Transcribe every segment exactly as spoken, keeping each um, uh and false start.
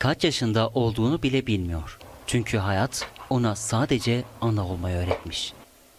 kaç yaşında olduğunu bile bilmiyor. Çünkü hayat ona sadece ana olmayı öğretmiş.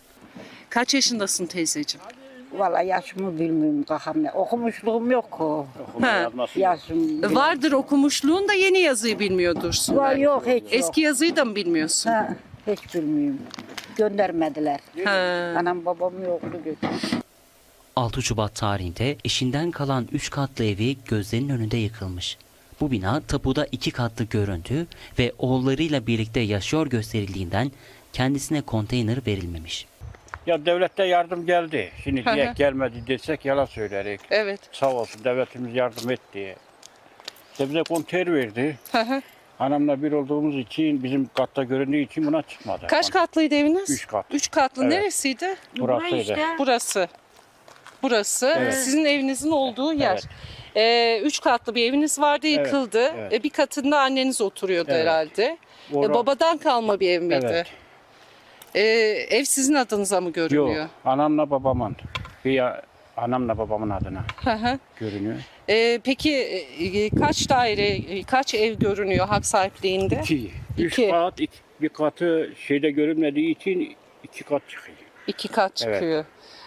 Kaç yaşındasın teyzeciğim? Vallahi yaşımı bilmiyorum kakam ne. Okumuşluğum yok o. Ha. Yaşım. Vardır okumuşluğun da yeni yazıyı bilmiyordursun. Var belki. yok hiç yok. Eski yazıyı da mı bilmiyorsun? Ha, hiç bilmiyorum. Göndermediler. Ha. Anam babam yoktu götürdü. altı Şubat tarihinde eşinden kalan üç katlı evi gözlerinin önünde yıkılmış. Bu bina tapuda iki katlı göründü ve oğullarıyla birlikte yaşıyor gösterildiğinden kendisine konteyner verilmemiş. Ya devlette yardım geldi. Şimdi Hı hı. diye gelmedi desek yalan söylerik. Evet. Sağ olsun devletimiz yardım etti. İşte bize konteyner verdi. Hı hı. Anamla bir olduğumuz için bizim katta göründüğü için buna çıkmadı. Kaç katlıydı eviniz? Üç kat. Üç katlı. Evet. Neresiydi? Burasıydı. Burası. Burası Evet. sizin evinizin olduğu yer. Evet. Ee, üç katlı bir eviniz vardı, yıkıldı. evet. Ee, bir katında anneniz oturuyordu Evet. herhalde. Ora- Ee, babadan kalma bir ev miydi? Evet. Ee, ev sizin adınıza mı görünüyor? Yok. Anamla babamın. Bir ya, anamla babamın adına Hı hı. görünüyor. Ee, peki e, kaç daire, e, kaç ev görünüyor hak sahipliğinde? İki. Üç İki. kat, iki, bir katı şeyde görünmediği için iki kat çıkıyor. İki kat çıkıyor.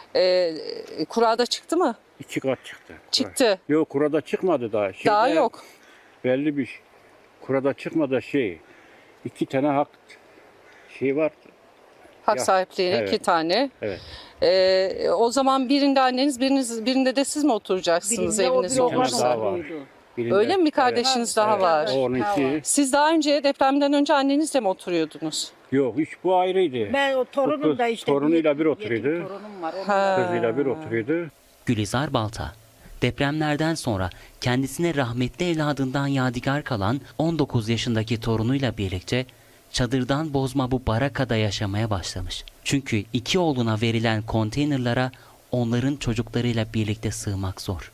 Ee, kurada çıktı mı? İki kat çıktı. Çıktı. Yok kurada çıkmadı daha. Şeyde Daha yok. Belli bir şey. Kurada çıkmadı şey. İki tane hak şey var. Hak Ya, sahipliğine evet. iki tane. Evet. Ee, o zaman birinde anneniz, biriniz, birinde de siz mi oturacaksınız Birinde o eviniz bir olmaz. olursa? daha var. oğlan Birinde- Öyle mi? Bir kardeşiniz daha Evet. var. O onunki. Siz daha önce depremden önce annenizle mi oturuyordunuz? Yok hiç bu ayrıydı. Ben o torunum da işte. Torunuyla bir yetim oturuyordu. torunum var. onun Ha. da- Kızıyla bir oturuyordu. Gülizar Balta, depremlerden sonra kendisine rahmetli evladından yadigar kalan on dokuz yaşındaki torunuyla birlikte çadırdan bozma bu barakada yaşamaya başlamış. Çünkü iki oğluna verilen konteynerlara onların çocuklarıyla birlikte sığmak zor.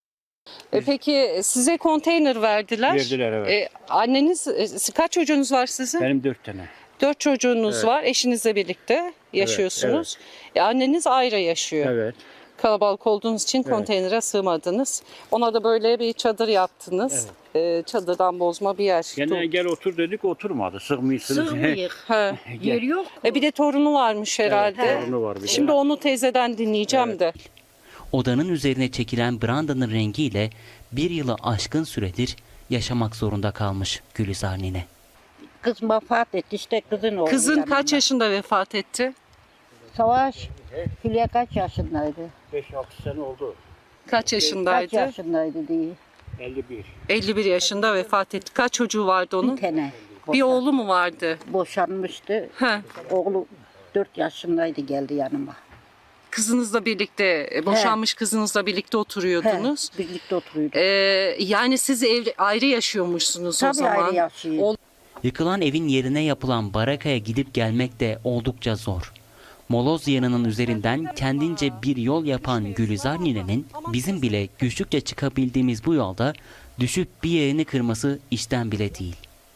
E, peki size konteyner verdiler. Verdiler, evet. E, anneniz, e, kaç çocuğunuz var sizin? Benim dört tane. Dört çocuğunuz Evet. var. Eşinizle birlikte yaşıyorsunuz. E, anneniz ayrı yaşıyor. Evet. Kalabalık olduğunuz için konteynere sığmadınız. Ona da böyle bir çadır yaptınız. E, çadırdan bozma bir yer. Gene gel otur dedik oturmadı. Sığmıyorsunuz. Sığmıyık. Ha. Yer yok. E, bir de torunu varmış herhalde. Evet, torunu var bir de. Şimdi onu teyzeden dinleyeceğim de. Odanın üzerine çekilen brandanın rengiyle bir yılı aşkın süredir yaşamak zorunda kalmış Gülizar nine. Kız vefat etti işte kızın oğlu. Kızın yanımda. kaç yaşında vefat etti? Savaş. Hülya kaç yaşındaydı? beş altı sene oldu. Kaç Kaç yaşındaydı? yaşındaydı diye. elli bir. elli bir yaşında vefat etti. Kaç çocuğu vardı onun? Bir tane. Bir oğlu mu vardı? Boşanmıştı. Ha. Oğlu dört yaşındaydı geldi yanıma. Kızınızla birlikte, e, boşanmış kızınızla birlikte He, oturuyordunuz. birlikte oturuyorduk. Ee, yani siz ev, ayrı yaşıyormuşsunuz o Tabii zaman. ayrı yaşıyor. Ol- Yıkılan evin yerine yapılan barakaya gidip gelmek de oldukça zor. Moloz yanının üzerinden kendince bir yol yapan Gülizar ninenin bizim bile güçlükçe çıkabildiğimiz bu yolda düşüp bir yerini kırması işten bile değil.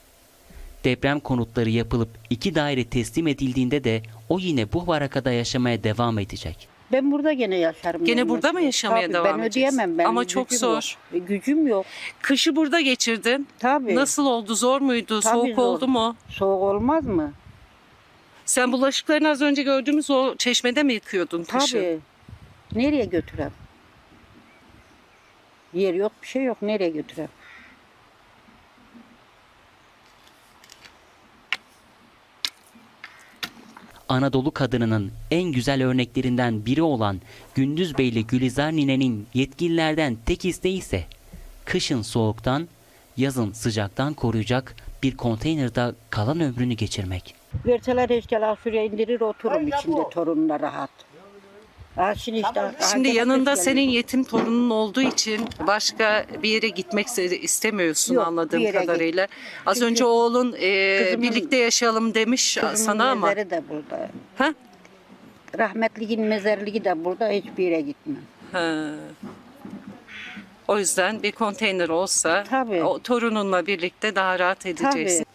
Deprem konutları yapılıp iki daire teslim edildiğinde de o yine bu barakada yaşamaya devam edecek. Ben burada gene yaşarım. Gene yani. burada mı yaşamaya Tabii, devam ben edeceksin? ödeyemem. Benim Ama çok gücüm zor. Yok. E, Gücüm yok. Kışı burada geçirdin. Tabii. Nasıl oldu? Zor muydu? Tabii Soğuk zor. oldu mu? Soğuk olmaz mı? Sen bulaşıklarını az önce gördüğümüz o çeşmede mi yıkıyordun kışın? Tabii. Nereye götürem? Yer yok, bir şey yok. Nereye götürem? Anadolu kadınının en güzel örneklerinden biri olan Gündüzbeyli Gülizar ninenin yetkililerden tek isteği ise kışın soğuktan, yazın sıcaktan koruyacak bir konteynerde kalan ömrünü geçirmek. Verseler eşyalar şuraya indirir otururum içinde torunla rahat. Ha, şimdi işte, ha, Şimdi gene yanında kış senin geliyor. yetim torunun olduğu için başka bir yere gitmek ise- istemiyorsun Yok, anladığım bir yere git- kadarıyla. Az Çünkü önce oğlun e, kızımın- birlikte yaşayalım demiş Kızımın sana ama. mezarı da burada. Ha? Rahmetliğin mezarlığı da burada. Hiçbir yere gitmem. Ha. O yüzden bir konteyner olsa Tabii. o torununla birlikte daha rahat edeceksin.